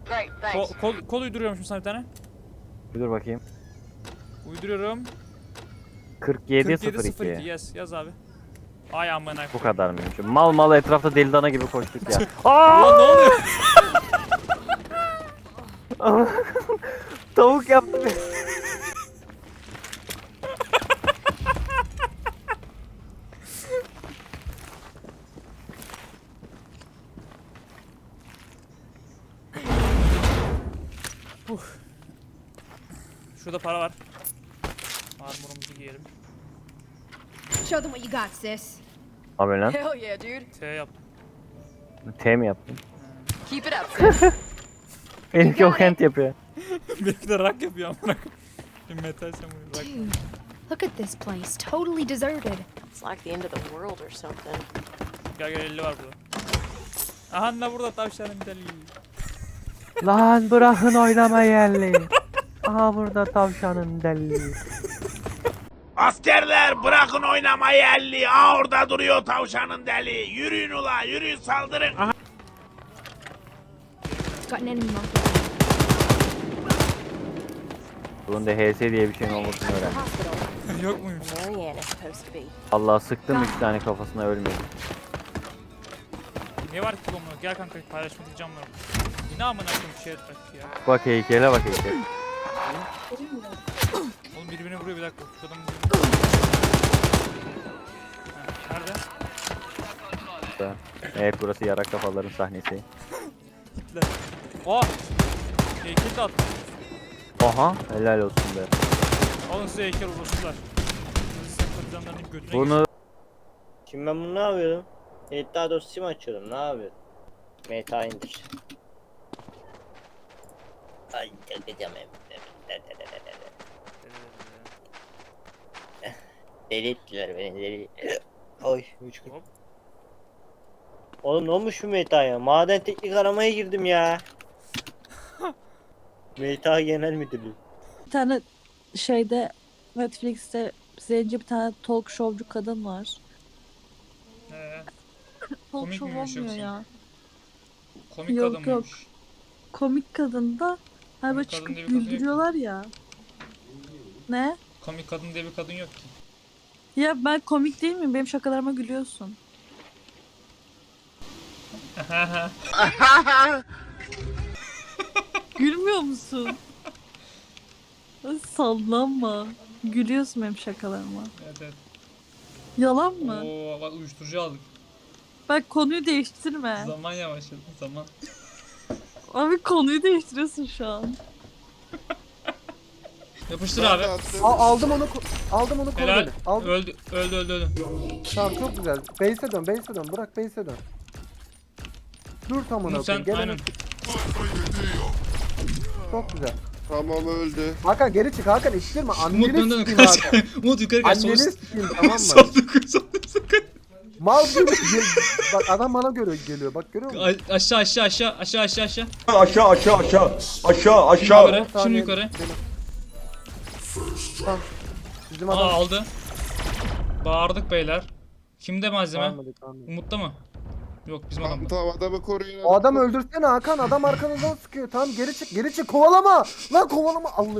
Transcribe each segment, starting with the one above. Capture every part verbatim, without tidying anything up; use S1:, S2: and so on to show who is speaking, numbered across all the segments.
S1: Great,
S2: Kol,
S1: thanks.
S2: kol, kol uyduruyormuşum sana bir tane.
S3: Bir dur bakayım.
S2: Uyduruyorum.
S3: kırk yedi
S2: kırk
S3: sıfır
S2: yedi sıfır iki
S3: iki.
S2: yaz yaz abi. Ay amına koyayım.
S3: Bu kadar mıymış? Mal mal etrafta deli dana gibi koştuk ya.
S2: Ulan ne oluyor?
S3: Tavuk yaptı beni.
S2: Şurada para var. Armorumuzu giyelim.
S4: Show them what you got, sis.
S3: Abi lan.
S1: Hell yeah, dude.
S2: T yaptım.
S3: T mi yaptın?
S1: Keep it up, sis.
S3: Benimki o kent yapıyor.
S2: Benimki de rak yapıyor amına koyayım. Bir metal samuray rak.
S4: Dude, look at this place. Totally deserted.
S1: It's like the end of the world or something.
S2: Gel gel elli var burada. Aha da burada tavşanın deli.
S3: Lan bırakın oynama yerli. Aha burada tavşanın deli.
S5: Askerler bırakın oynamayı elli. Aa orada duruyor tavşanın deli. Yürüyün ula yürüyün saldırın. Aha.
S4: Got an enemy monkey.
S3: Bunun da H S diye bir şeyin olmasını öğren.
S1: Hospital.
S2: Yok muymuş?
S1: Marianne is supposed to be.
S3: Allah sıktım iki tane kafasına ölmedi.
S2: Ne var ki bu amına? Gel kanka paylaşmak diyeceğim var. Bu ne amına koyayım şey etmek ya.
S3: Bak heykele bak heykel.
S2: Oğlum birbirine vuruyor bir dakika. Şu adamın Ha, nerede?
S3: Evet burası yarak kafaların sahnesi.
S2: Hitler. Aa! Heykel de attı.
S3: Aha helal olsun be.
S2: Alın size heykel uğraşırlar. Siz sempatizanlarının götüne
S3: Bunu
S6: Şimdi ben bunu ne yapıyorum? Editler dosyası mı açıyorum? Ne yapıyorum? Meta indir. Ay çakacağım hem. Deli ettiler beni deli. Oy üç gün.
S2: Hop.
S6: Oğlum ne olmuş bu Meta ya? Maden teknik aramaya girdim ya. Meta Genel Müdürlüğü.
S7: Bir tane şeyde Netflix'te zenci bir tane talk showcu kadın var.
S2: Ee,
S7: Talk
S2: Komik
S7: show
S2: miymiş
S7: olmuyor
S2: yoksa?
S7: ya.
S2: komik
S7: Yok,
S2: adam
S7: yok.
S2: mıymış?
S7: Komik kadın da hani böyle
S2: Komik kadın
S7: çıkıp
S2: diye bir kadın yok ki.
S7: güldürüyorlar ya. Ne?
S2: Komik kadın diye bir kadın yok ki.
S7: Ya ben komik değil miyim? Benim şakalarıma gülüyorsun. Gülmüyor musun? Ay, sallanma. Gülüyorsun benim şakalarıma.
S2: Evet evet.
S7: Yalan mı?
S2: Oo bak uyuşturucu aldık.
S7: Bak konuyu değiştirme.
S2: Zaman yavaşladı zaman.
S7: Abi konuyu değiştiriyorsun şu an.
S2: Yapıştır abi.
S8: Al, aldım onu, ko- aldım onu koru
S2: Helal.
S8: beni. Aldım.
S2: Öldü öldü öldü öldü.
S8: Tamam çok güzel. Base'e dön, base'e dön. Bırak base'e dön. Dur tam ona
S2: Umut sen
S8: koyayım.
S2: aynen.
S8: Gelene çok güzel.
S9: Tamam öldü.
S8: Hakan geri çık Hakan ittirme.
S2: Umut
S8: Anneni
S2: dön dön
S8: sikeyim
S2: kaç.
S8: Hakan.
S2: Umut yukarı kaç.
S8: Anneni
S2: Sol
S8: sikeyim tamam mı?
S2: sol dokun sol dokun.
S8: Mal gibi. gel- Bak adam bana göre geliyor. Bak görüyor musun?
S2: A- Aşağı aşağı aşağı aşağı aşağı aşağı.
S9: Aşağı aşağı aşağı. Aşağı
S2: Şimdi
S9: aşağı.
S2: yukarı. Şimdi yukarı.
S8: Tamam. Bizim
S2: Aa
S8: adam.
S2: aldı. Bağırdık beyler. Kimde malzeme?
S8: Almadı, almadı.
S2: Umut'ta mı? Yok bizim
S9: Tamam,
S2: adamda.
S9: tamam adamı koruyun.
S8: O adamı öldürsene Hakan. Adam arkanızdan sıkıyor. Tamam geri çık. Geri çık. Kovalama. Lan kovalama. Allah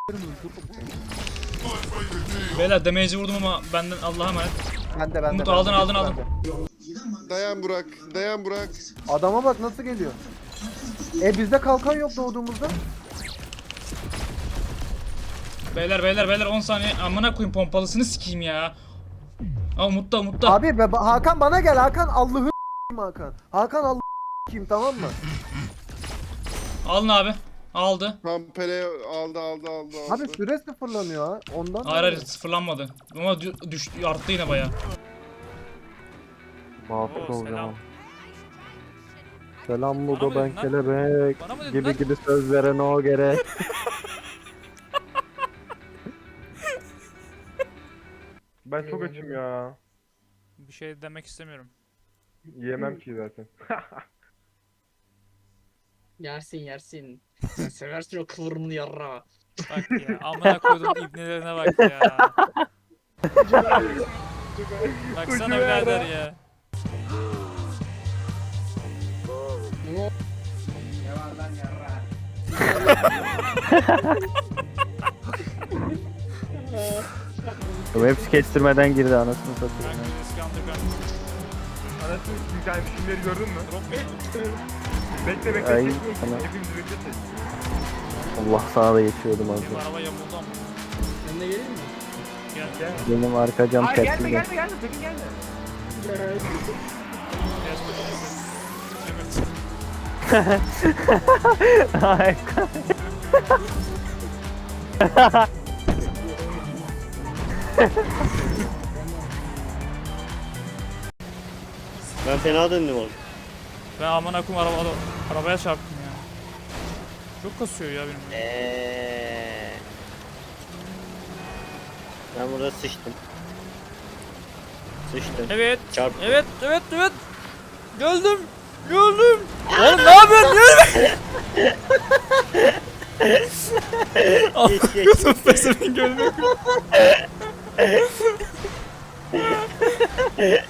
S2: Beyler damage'i vurdum ama benden Allah'a emanet.
S8: Ben de ben de.
S2: Umut
S8: ben de.
S2: aldın aldın aldın.
S9: Dayan Burak. Dayan Burak.
S8: Adama bak nasıl geliyor. E bizde kalkan yok doğduğumuzda.
S2: Beyler beyler beyler on saniye. Amına koyayım pompalısını sikeyim ya. Aa Umut'ta Umut'ta.
S8: Abi be, Hakan bana gel Hakan Allah'ı Hakan. Hakan Allah'ı kim tamam mı?
S2: Alın abi. Aldı.
S9: Kampele aldı aldı aldı aldı.
S8: Abi süre sıfırlanıyor ha. Ondan.
S2: Hayır hayır sıfırlanmadı. Ama dü- düştü arttı yine baya.
S3: muvaffak
S2: Oo,
S3: olacağım.
S2: selam.
S3: Selam
S2: Bana
S3: Mugo
S2: mı
S3: ben
S2: dedin lan?
S3: kelebek.
S2: Bana mı dedin
S3: Gibi
S2: lan?
S3: gibi söz veren o gerek.
S10: Ben çok açım ya.
S2: Bir şey demek istemiyorum.
S10: Yiyemem ki zaten.
S11: Yersin yersin. Sen seversin o kıvırımlı yarra.
S2: Bak ya amına koydum ibnelerine bak ya. Baksana birader ya.
S11: Ne var lan yarra?
S3: Bu hepsi kestirmeden girdi anasını satayım.
S2: Kanka eski underground.
S10: Anasını bir tane filmleri gördün mü? Bekle bekle.
S3: Ay,
S10: çek,
S3: tamam.
S10: Hepimiz bekle çek.
S3: Allah sana da geçiyordum az
S2: Benim
S3: önce.
S2: araba yamuldu ama.
S11: Ben de geleyim mi?
S2: Gel.
S10: Gel.
S3: Benim arka cam
S10: Aa, gelme
S3: tepkili.
S10: gelme gelme sakın gelme.
S2: Biraz bakayım. Evet.
S3: Harika.
S6: Ben fena döndüm oğlum.
S2: Ben amına koyayım araba, arabaya çarptım ya. Çok kasıyor ya benim.
S6: Eee. Ben burada sıçtım. Sıçtım.
S2: Evet.
S6: Çarp.
S2: Evet, evet, evet. Geldim. Geldim. Oğlum ne yapıyorsun? Gelme.
S6: Geç, geç.
S2: Kızım pesemin gönlü.